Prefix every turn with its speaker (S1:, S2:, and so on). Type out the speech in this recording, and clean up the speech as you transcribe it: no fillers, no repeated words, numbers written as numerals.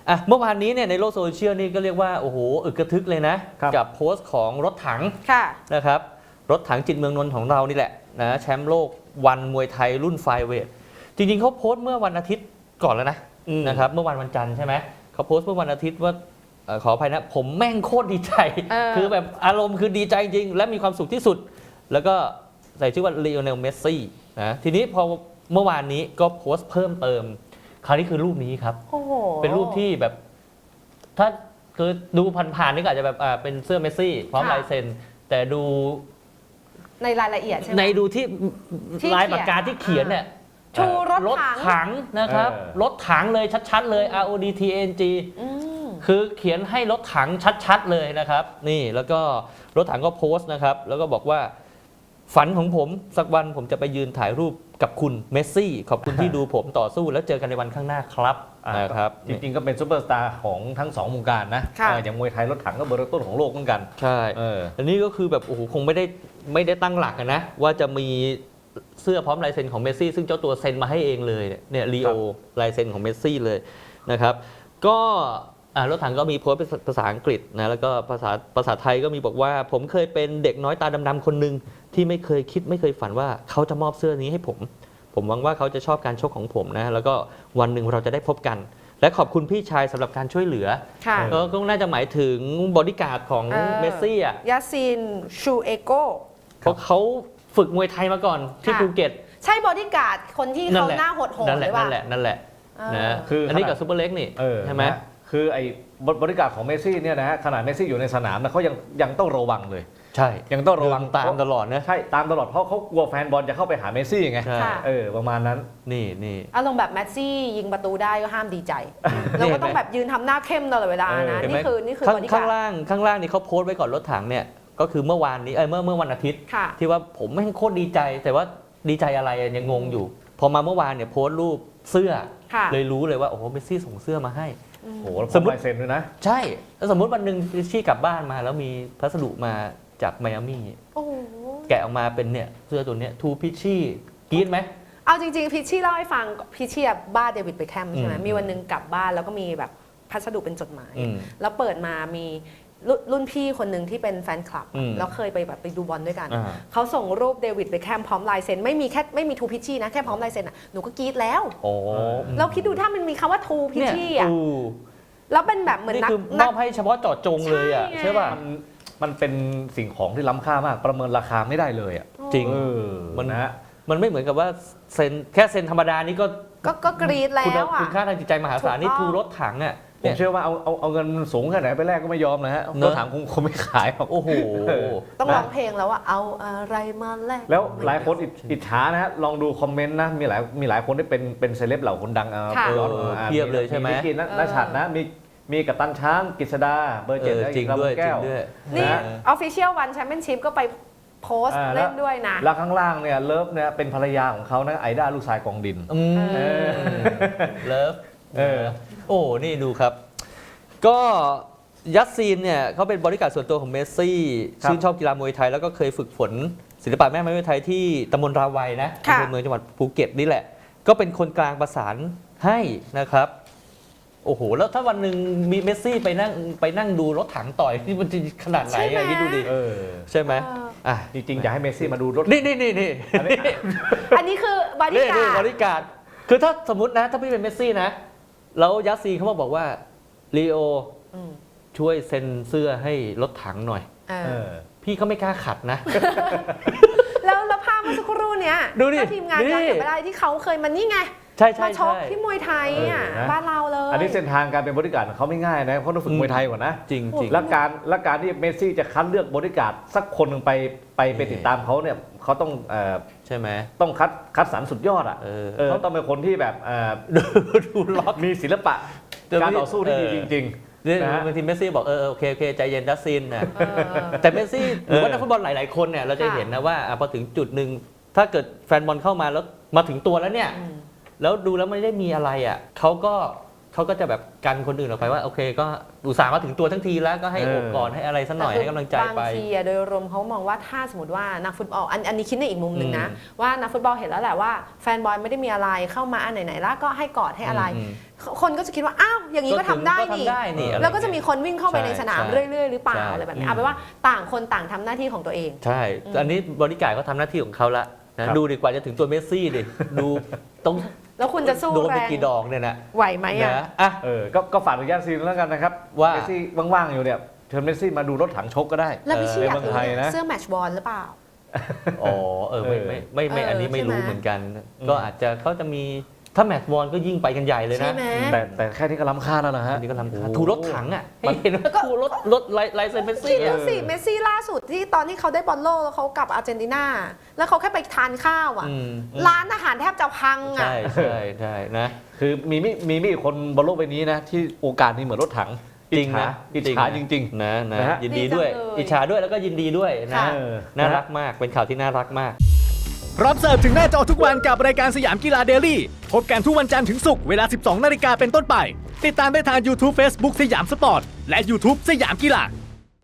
S1: เมื่อวานนี้เนี่ยในโลกโซเชียลนี่ก็เรียกว่าโอ้โหอึกกระทึกเลยนะกับโพสต์ของรถถังนะครับรถถังจิตเมืองนนท์ของเรานี่แหละนะแชมป์โลกวันมวยไทยรุ่นไฟเวทจริงๆเขาโพสต์เมื่อวันอาทิตย์ก่อนแล้วนะครับเมื่อวันจันทร์ใช่ไหมเขาโพสต์เมื่อวันอาทิตย์ว่าขออภัยนะผมแม่งโคตรดีใจคือแบบอารมณ์คือดีใจจริงและมีความสุขที่สุดแล้วก็ใส่ชื่อว่าลีโอเนลเมสซี่นะทีนี้พอเมื่อวานนี้ก็โพสต์เพิ่มเติมคราวนี้คือรูปนี้ครับเป็นรูปที่แบบถ้าคือดูผ่านๆนี่ก็อาจจะแบบเป็นเสื้อเมสซี่พร้อมลายเซ็นแต่ดู
S2: ในรายละเอียดใช่ไหม
S1: ในดูที่ลายปากกาที่เขียนเนี่ย
S2: ชูรถ
S1: ถังนะครับรถถังเลยชัดๆเลย RODTNG คือเขียนให้รถถังชัดๆเลยนะครับนี่แล้วก็รถถังก็โพสต์นะครับแล้วก็บอกว่าฝันของผมสักวันผมจะไปยืนถ่ายรูปกับคุณเมสซี่ขอบคุณที่ดูผมต่อสู้แล้วเจอกันในวันข้างหน้าครับนะครับ
S3: จริงๆก็เป็นซุปเปอร์สตาร์ของทั้ง2วงการนะอย่างมวยไทยรถถังก็เบอร์ต้นของโลกเหมือนกัน
S1: ใช่อันนี้ก็คือแบบโอ้โหคงไม่ได้ตั้งหลักนะว่าจะมีเสื้อพร้อมลายเซ็นของเมสซี่ซึ่งเจ้าตัวเซ็นมาให้เองเลยเนี่ยลีโอลายเซ็นของเมสซี่เลยนะครับก็รถถังก็มีโพสต์เป็นภาษาอังกฤษนะแล้วก็ภาษาไทยก็มีบอกว่าผมเคยเป็นเด็กน้อยตาดำๆคนหนึ่งที่ไม่เคยคิดไม่เคยฝันว่าเขาจะมอบเสื้อนี้ให้ผมหวังว่าเขาจะชอบการชกของผมนะแล้วก็วันหนึ่งเราจะได้พบกันและขอบคุณพี่ชายสำหรับการช่วยเหลือก็น่าจะหมายถึงบอดี้การ์ดของเมสซี่
S2: ยาซินชูเอโก
S1: เพราะเขาฝึกมวยไทยมาก่อนที่ภูเก็ต
S2: ใช่บอดี้การ์ดคนที่เขาหน้าโหดๆหรือเปล่า
S1: นั่นแหละนะคืออันนี้กับซูเปอร์เล็กนี่ใช่ไหม
S3: คือไอ้บริการของเมสซี่เนี่ยนะฮะขนาดเมสซี่อยู่ในสนามนะเขายังต้องระวังเลย
S1: ใช่
S3: ยังต้องระวัง
S1: ตามตลอดนะ
S3: ใช่ตามตลอดเพราะเขากลัวแฟนบอลจะเข้าไปหาเมสซี่ไงประมาณนั้น
S1: นี่
S2: อารมณ์แบบเมสซี่ยิงประตูได้ก็ห้ามดีใจเราก็ต้องแบบยืนทำหน้าเข้มตลอดเวลานะนี่คือบริการ
S1: ข้างล่างนี่เขาโพสต์ไว้ก่อนรถถังเนี่ยก็คือเมื่อวานนี้เมื่อวันอาทิตย์ที่ว่าผมไม่โคตรดีใจแต่ว่าดีใจอะไรยังงงอยู่พอมาเมื่อวานเนี่ยโพสต์รูปเสื้อเลยรู้เลยว่าโอ้โหเมสซี่ส่งเสื้อมาให้
S3: โอ้โหสมมติลายเซ็นด้วยนะ
S1: ใช่แล้วสมมติวันหนึ่งชี่กลับบ้านมาแล้วมีพัสดุมาจากไมอามี่แกะออกมาเป็นเนี่ยเสื้อตัวเนี้ยทูพิชชี่กรี๊ดไหม
S2: เอาจริงๆพิชชี่เล่าให้ฟังพิชชี่บ้าเดวิดเบคแฮมใช่ไหมมีวันหนึ่งกลับบ้านแล้วก็มีแบบพัสดุเป็นจดหมายแล้วเปิดมามีรุ่นพี่คนหนึ่งที่เป็นแฟนคลับแล้วเคยไปดูบอลด้วยกันเขาส่งรูปเดวิดเบคแฮมพร้อมลายเซ็นไม่มีทูพิชชี่นะแค่พร้อมลายเซ็นหนูก็กรี๊ดแล้วแล้วคิดดูถ้ามันมีคำว่าทูพิชชี่แล้วเป็นแบบเหมือน
S1: นักมอบให้เฉพาะเจาะจงเลยใช่ป่ะ
S3: มันเป็นสิ่งของที่ล้ำค่ามากประเมินราคาไม่ได้เลย
S1: จริงมันไม่เหมือนกับว่าเซ็นแค่เซ็นธรรมดานี่
S2: ก็กรี๊ดแล้ว
S1: คุณค่าทางจิตใจมหาศาลนี่ทูรถถัง
S3: ผมเชื่อว่าเอาเงินสูงแค่ไหนไปแรกก็ไม่ยอมนะฮะรถถังคงไม่ขายหรอก
S1: โอ้โห
S2: ต้องร้องเพลงแล้วว่าเอาอะไรมาแลก
S3: แล้วหลายคนอิจฉานะฮะลองดูคอมเมนต์นะมีหลายคนที่เป็นเซเลบเหล่าคนดัง
S1: เพียบเลยใช่ไหม
S3: มีนัชชัดนะมีกัปตันช้างกฤษดาเบอร์7
S1: จริงด้วย
S2: นี่ Official One Championship ก็ไปโพสต์เล่นด้วยนะ
S3: แล้วข้างล่างเนี่ยเลิฟเนี่ยเป็นภรรยาของเขานะไอด้าลูกชายกองดิน
S1: เลิฟโอ้นี่ดูครับก็ยัสซีนเนี่ยเขาเป็นบริการส่วนตัวของเมสซี่ชื่นชอบกีฬามวยไทยแล้วก็เคยฝึกฝนศิลปะแม่ไม้มวยไทยที่ตำบลราวัยนะในเมืองจังหวัดภูเก็ตนี่แหละก็เป็นคนกลางประสานให้นะครับโอ้โหแล้วถ้าวันหนึ่งมีเมสซี่ไปนั่งดูรถถังต่อยนี่มันจะขนาดไหนคิดดูดิใช่ไหม
S3: จริงๆอยากให้เมสซี่มาดูรถ
S1: นี่
S2: อันนี้คือบริ
S1: การคือถ้าสมมตินะถ้าพี่เป็นเมสซี่นะแล้วยัสซีเขาบอกว่าลีโอช่วยเซ็นเสื้อให้รถถังหน่อยพี่เขาไม่กล้าขัดนะ
S2: แล้วภาพเมื่อสักครู่เนี้ยถ้าทีมงานย้อนกลับไปได้ที่เขาเคยมันนี่ไงมาชกที่มวยไทยบ้านเราเลย
S3: อันนี้เส้นทางการเป็นบริการเขาไม่ง่ายนะเพราะต้องฝึกมวยไทยก่อนนะ
S1: จริง
S3: และการที่เมสซี่จะคัดเลือกบริการสักคนหนึ่งไปติดตามเขาเนี่ยเขาต้อง
S1: ใช่ไหม
S3: ต้องคัดสรรสุดยอดเขาต้องเป็นคนที่แบบ
S1: ดูล็อก
S3: มีศิลปะการต่อสู้ที่ดีจริง
S1: บางทีเมสซี่บอกโอเคใจเย็นดัสซินนะแต่เมสซี่หรือว่านักฟุตบอลหลายๆคนเนี่ยเราจะเห็นนะว่าพอถึงจุดหนึ่งถ้าเกิดแฟนบอลเข้ามาแล้วมาถึงตัวแล้วเนี่ยแล้วดูแล้วไม่ได้มีอะไรเขาก็เขาก็จะแบบกันคนอื่นออกไปว่าโอเคก็อุตส่าห์มาถึงตัวทั้งทีแล้วก็ให้โอบกอดให้อะไรสักหน่อยให้กำลังใจไป
S2: บางทีโดยรวมเขามองว่าถ้าสมมติว่านักฟุตบอลอันนี้คิดในอีกมุมหนึ่งนะว่านักฟุตบอลเห็นแล้วแหละว่าแฟนบอลไม่ได้มีอะไรเข้ามาอันไหนๆแล้วก็ให้กอดให้อะไรคนก็จะคิดว่าอ้าวอย่างนี้ก็ทำได้นี่แล้วก็จะมีคนวิ่งเข้าไปในสนามเรื่อยๆหรือเปล่าอะไรแบบนี้เอาเป็นว่าต่างคนต่างทำหน้าที่ของตัวเอง
S1: ใช่อันนี้บริการเขาทำหน้าที่ของเขาละนะดูดีกว่าจะถึงตัวเมสซี่ดิดูต้อง
S2: แล้วคุณจะสู้
S1: โดน
S2: แร
S1: ไป
S2: ง
S1: กี่ดอกเนี่ยนะ
S2: ไหวไหมอ่ะ
S1: อ่ะ
S3: ก็ฝากถึงย่านซีนแล้วกันนะครับว่าเมสซี่ว่างๆอยู่เนี่ยเชิญเมสซี่มาดูรถถังชกก็ได้
S2: แล้วพี่ชี้อยาก
S3: ในเมือง
S2: รู้
S3: ไทยนะ
S2: เสื้อแมตช์บอลหรือเปล่า
S1: อ๋อไม่อันนี้ไม่รู้เหมือนกัน ก็อาจจะเขาจะมีถ้าแมตช์บอลก็ยิ่งไปกันใหญ่เลยนะ
S3: แต่แค่นี้ก็ล้ำค่าแล้วนะฮะ
S1: อันนี้ก็ล้ำค่าถูรถถังอ่ะให้เห็นว่าถูรถไลเซนเมส
S2: คิ
S1: ซี่
S2: ดดูสิเมสซี่ล่าสุดที่ตอนที่เขาได้บอลโลกแล้วเขากลับอาร์เจนตินาแล้วเขาแค่ไปทานข้าวอ่ะร้านอาหารแทบจะพังอ่ะ
S1: ใช่นะ
S3: คือมีคนบนโลกใบนี้นะที่โอกาสนี้เหมือนรถถัง
S1: จริงนะ
S3: อิจฉาจริงๆ
S1: นะยินดีด้วยอิจฉาด้วยแล้วก็ยินดีด้วยนะน่ารักมากเป็นข่าวที่น่ารักมาก
S4: พร้อมเสิร์ฟถึงหน้าจอทุกวันกับรายการสยามกีฬาเดลี่พบกันทุกวันจันทร์ถึงศุกร์เวลา 12 นาฬิกาเป็นต้นไปติดตามได้ทาง YouTube Facebook สยามสปอร์ตและ YouTube สยามกีฬา